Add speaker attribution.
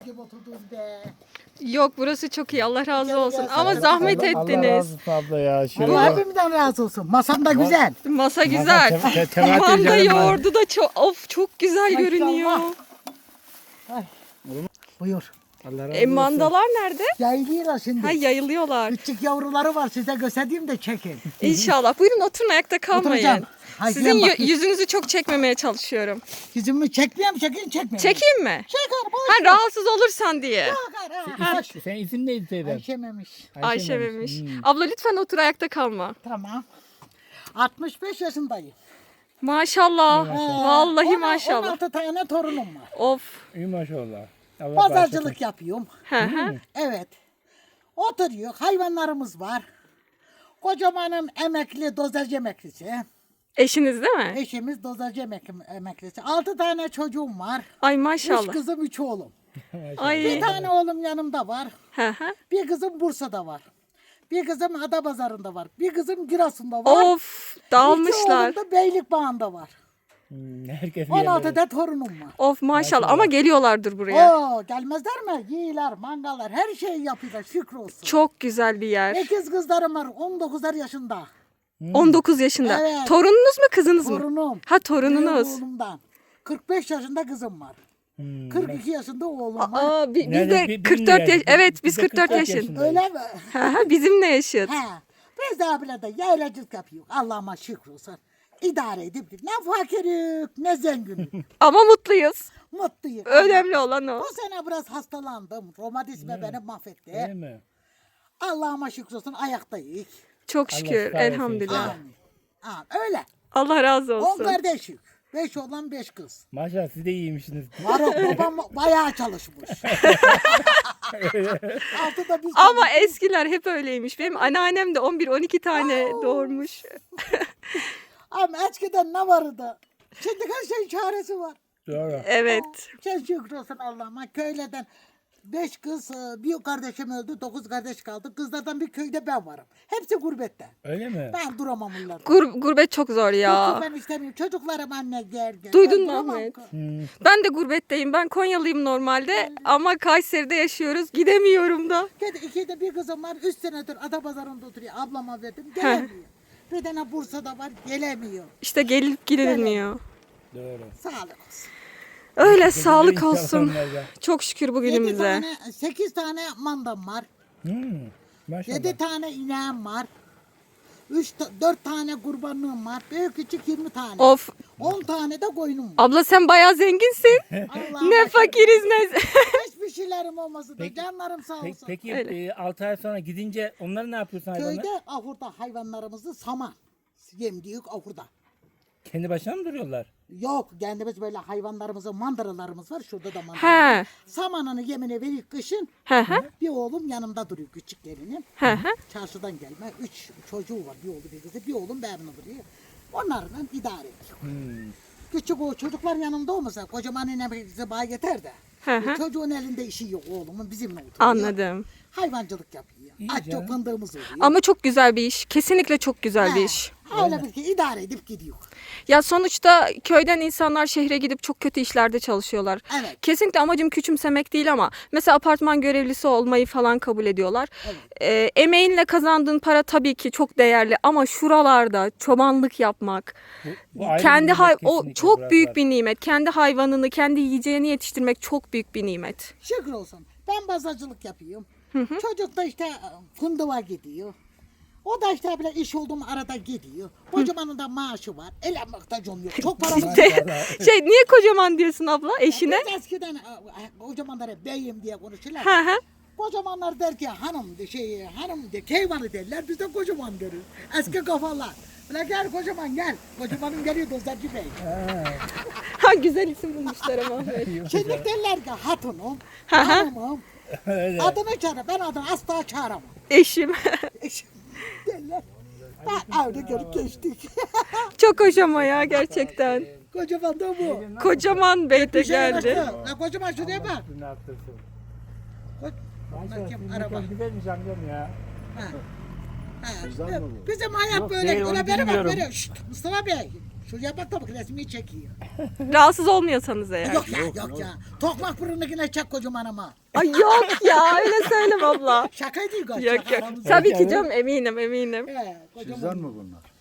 Speaker 1: gibi oturdunuz be.
Speaker 2: Yok burası çok iyi. Allah razı
Speaker 1: Gel,
Speaker 2: olsun.
Speaker 1: gel,
Speaker 2: Ama
Speaker 1: sana
Speaker 2: zahmet
Speaker 3: Allah razı
Speaker 2: ettiniz.
Speaker 3: olsun abla ya. Şöyle
Speaker 1: Allah
Speaker 3: bak.
Speaker 1: hepimden razı olsun. Masam da güzel.
Speaker 2: Masa güzel.
Speaker 3: Temel
Speaker 2: Manda
Speaker 3: teyzenin
Speaker 2: yoğurdu da çok güzel
Speaker 1: Maşallah.
Speaker 2: görünüyor.
Speaker 1: Ay. Buyur.
Speaker 3: Allah razı olsun.
Speaker 2: Mandalar nerede?
Speaker 1: Yayılıyorlar şimdi.
Speaker 2: Ha yayılıyorlar.
Speaker 1: Küçük yavruları var, size göstereyim de çekin.
Speaker 2: İnşallah. Buyurun oturun, ayakta kalmayın.
Speaker 1: Oturacağım. Hay,
Speaker 2: Sizin
Speaker 1: sen bak.
Speaker 2: yüzünüzü çok çekmemeye çalışıyorum.
Speaker 1: Yüzümü çekmeyeyim, çekeyim.
Speaker 2: Çekeyim mi?
Speaker 1: Çeker, boş
Speaker 2: Ha rahatsız olursan diye.
Speaker 1: ver. Ha.
Speaker 3: Sen isim neydi teyzem?
Speaker 1: Ayşememiş.
Speaker 2: Ayşe memiş. Abla lütfen otur, ayakta kalma.
Speaker 1: Tamam. 65 yaşındayım.
Speaker 2: Maşallah. Vallahi
Speaker 1: 16
Speaker 2: maşallah.
Speaker 1: 16 tane torunum var.
Speaker 2: Of.
Speaker 3: İyi maşallah. Allah
Speaker 1: Pazarcılık yapıyorum.
Speaker 2: Hı hı.
Speaker 1: Evet. Oturuyor. Hayvanlarımız var. Kocamanım emekli, dozerci emeklisi.
Speaker 2: Eşiniz değil mi?
Speaker 1: Eşimiz dozerci emeklisi. 6 tane çocuğum var.
Speaker 2: Ay
Speaker 1: 3
Speaker 2: maşallah.
Speaker 1: kızım, 3 oğlum. Bir
Speaker 2: Ay.
Speaker 1: tane oğlum yanımda var.
Speaker 2: Hı hı.
Speaker 1: Bir kızım Bursa'da var. Bir kızım Adapazarı'nda var. Bir kızım Giresun'da var.
Speaker 2: Of dağılmışlar.
Speaker 1: 2 oğlum da Beylikbağı'nda var.
Speaker 3: Herkes
Speaker 1: 16 da torunum var.
Speaker 2: Of maşallah ama geliyorlardır buraya.
Speaker 1: Oo, gelmezler mi? Yiyiler, mangallar, her şeyi yapıyorlar. Şükür olsun.
Speaker 2: Çok güzel bir yer.
Speaker 1: 8 kızlarım var. 19'lar yaşında.
Speaker 2: 19 yaşında.
Speaker 1: Evet.
Speaker 2: Torununuz mu kızınız mı?
Speaker 1: Torunum.
Speaker 2: Ha torununuz.
Speaker 1: Büyük oğlumdan. 45 yaşında kızım var. 42 yaşında oğlum var.
Speaker 2: Aa, biz
Speaker 3: Nerede?
Speaker 2: de
Speaker 3: Bizimle
Speaker 2: 44 yaş.
Speaker 3: yaşıt.
Speaker 2: Evet
Speaker 3: Biz
Speaker 2: biz
Speaker 3: de
Speaker 2: 44
Speaker 3: 44
Speaker 2: yaşında.
Speaker 3: yaşındayız.
Speaker 1: Öyle mi?
Speaker 2: Ha, ha, bizimle yaşıt.
Speaker 1: He. Biz de abiyle de yaylacılık yapıyor. Allah'ıma şükür olsun. İdare edip ne fakirlik ne zenginlik.
Speaker 2: Ama mutluyuz.
Speaker 1: Mutluyum.
Speaker 2: Önemli olan o.
Speaker 1: Bu sene biraz hastalandım. Romatizma beni mahvetti.
Speaker 3: Değil mi?
Speaker 1: Allah'ıma şükür olsun ayaktayız.
Speaker 2: Çok şükür.
Speaker 3: şifa versin
Speaker 2: Elhamdülillah.
Speaker 1: Amin. Amin. Öyle.
Speaker 2: Allah razı
Speaker 1: 10
Speaker 2: olsun.
Speaker 1: kardeşik. 5 oğlan 5 kız.
Speaker 3: Maşallah siz de iyiymişsiniz.
Speaker 1: Varok babam bayağı çalışmış. Altıda biz
Speaker 2: Ama eskiler hep öyleymiş. Benim anneannem de 11-12 tane doğurmuş.
Speaker 1: Ama eskiden ne vardı? Şimdi her şeyin çaresi var.
Speaker 3: Doğru.
Speaker 2: Evet.
Speaker 1: Sen şükür olsun Allah'ıma. Köyleden 5 kız, bir kardeşim öldü, 9 kardeş kaldı. Kızlardan bir köyde ben varım. Hepsi gurbette.
Speaker 3: Öyle mi?
Speaker 1: Ben duramam onlarda.
Speaker 2: Gurbet çok zor ya.
Speaker 1: Ben istemiyorum. Çocuklarım anne gel.
Speaker 2: Duydun
Speaker 1: Ben
Speaker 2: mu
Speaker 1: duramam
Speaker 2: Ahmet?
Speaker 1: kız.
Speaker 2: Ben de gurbetteyim. Ben Konyalıyım normalde ama Kayseri'de yaşıyoruz. Gidemiyorum da.
Speaker 1: Kedi ikide bir kızım var. 3 senedir Adapazarı'nda oturuyor. Ablama verdim. Gelemiyor. Bir tane Bursa'da var. Gelemiyor.
Speaker 2: İşte gelip gidilmiyor.
Speaker 3: Doğru.
Speaker 1: Sağlık olsun.
Speaker 2: Öyle sağlık olsun.
Speaker 3: İnsanlarla.
Speaker 2: Çok şükür
Speaker 1: 7
Speaker 2: bugünümüze.
Speaker 1: tane, 8 tane mandam var.
Speaker 3: Maşallah.
Speaker 1: 7 tane ineğim var. 4 tane kurbanlığım var. Büyük küçük 20 tane.
Speaker 2: Of.
Speaker 1: 10 tane de koyunum var.
Speaker 2: Abla sen bayağı zenginsin.
Speaker 1: Allah'ım
Speaker 2: Ne fakiriz ne.
Speaker 1: hiçbir şeylerim olmasa da
Speaker 3: Peki-
Speaker 1: canlarım sağ olsun.
Speaker 3: Peki 6 ay sonra gidince onları ne yapıyorsun hayvanlar?
Speaker 1: Köyde ahurda hayvanlarımızı saman. Yemdiyük ahurda.
Speaker 3: Kendi başına mı duruyorlar?
Speaker 1: Yok kendimiz böyle hayvanlarımızın mandıralarımız var. Şurada da mandara
Speaker 2: He.
Speaker 1: var. Samanını yemine verip kışın
Speaker 2: Hı hı.
Speaker 1: bir oğlum yanımda duruyor küçüklerinin.
Speaker 2: Hı hı.
Speaker 1: Çarşıdan gelme. 3 çocuğu var. Bir oğlu bir kızı. Bir oğlum benimle duruyor. Onlarla idare ediyor. Küçük o çocuklar yanımda olmasa kocaman bize bağ yeter de.
Speaker 2: Hı hı.
Speaker 1: Çocuğun elinde işi yok oğlumun bizimle oturuyor.
Speaker 2: Anladım.
Speaker 1: Hayvancılık yapıyor.
Speaker 3: İyi
Speaker 1: Az
Speaker 3: canım.
Speaker 1: çok fındığımız oluyor.
Speaker 2: Ama çok güzel bir iş. Kesinlikle çok güzel bir iş.
Speaker 1: Öyle bir ki idare edip gidiyor.
Speaker 2: Ya sonuçta köyden insanlar şehre gidip çok kötü işlerde çalışıyorlar.
Speaker 1: Evet.
Speaker 2: Kesinlikle amacım küçümsemek değil ama mesela apartman görevlisi olmayı falan kabul ediyorlar. Emeğinle kazandığın para tabii ki çok değerli ama şuralarda çobanlık yapmak,
Speaker 3: Bu ayrı bir
Speaker 2: kendi
Speaker 3: nimet
Speaker 2: o
Speaker 3: kesinlikle
Speaker 2: çok
Speaker 3: buralar.
Speaker 2: büyük bir nimet. Kendi hayvanını, kendi yiyeceğini yetiştirmek çok büyük bir nimet.
Speaker 1: Şükür olsun. Ben pazarcılık yapıyorum. Çocuk da işte fındığa gidiyor. O da işte böyle iş olduğum arada gidiyor. Kocamanın da maaşı var. Elenmekte can yok. Çok paramız var.
Speaker 2: Niye kocaman diyorsun abla eşine?
Speaker 1: Biz eskiden kocamanlara beyim diye konuşurlar.
Speaker 2: Hı hı.
Speaker 1: Kocamanlar der ki hanım de keyvanı derler. Biz de kocaman deriz. Eski kafalar. Böyle gel kocaman gel. Kocamanım geliyor Dozerci Bey.
Speaker 2: Ha güzel isim bulmuşlar ama.
Speaker 1: Şimdi derler ki hatunum, hanımım.
Speaker 3: Öyle.
Speaker 1: Adını çağır. Ben adını asla çağıramam.
Speaker 2: Eşim.
Speaker 1: Eşim derler. Ben evde görüp geçtik.
Speaker 2: Çok hoş ama ya gerçekten.
Speaker 1: Kocaman da bu.
Speaker 2: Kocaman bey de
Speaker 1: Bir şeye
Speaker 2: geldi.
Speaker 1: baktı. La kocaman şuraya bak.
Speaker 3: Ne yaptırsın?
Speaker 1: Bakayım
Speaker 3: Maşallah
Speaker 1: araba.
Speaker 3: çok güzelmiş amcam ya.
Speaker 1: Ha. Bizim hayat
Speaker 3: Yok,
Speaker 1: böyle.
Speaker 3: değil, onu
Speaker 1: Öyle beri bak
Speaker 3: bilmiyorum.
Speaker 1: böyle. Şşt, Mustafa Bey. Şuraya bak da bak resmi çekiyor.
Speaker 2: Rahatsız olmuyorsanız eğer.
Speaker 1: Yok ya yok ya. Tokmak fırınınkine çek kocaman ama.
Speaker 2: Ay yok ya öyle söyleme abla.
Speaker 1: Şaka değil galiba.
Speaker 2: Yok yok. Tabii ki canım eminim eminim.
Speaker 1: Kocaman.
Speaker 4: Sizden mi bunlar?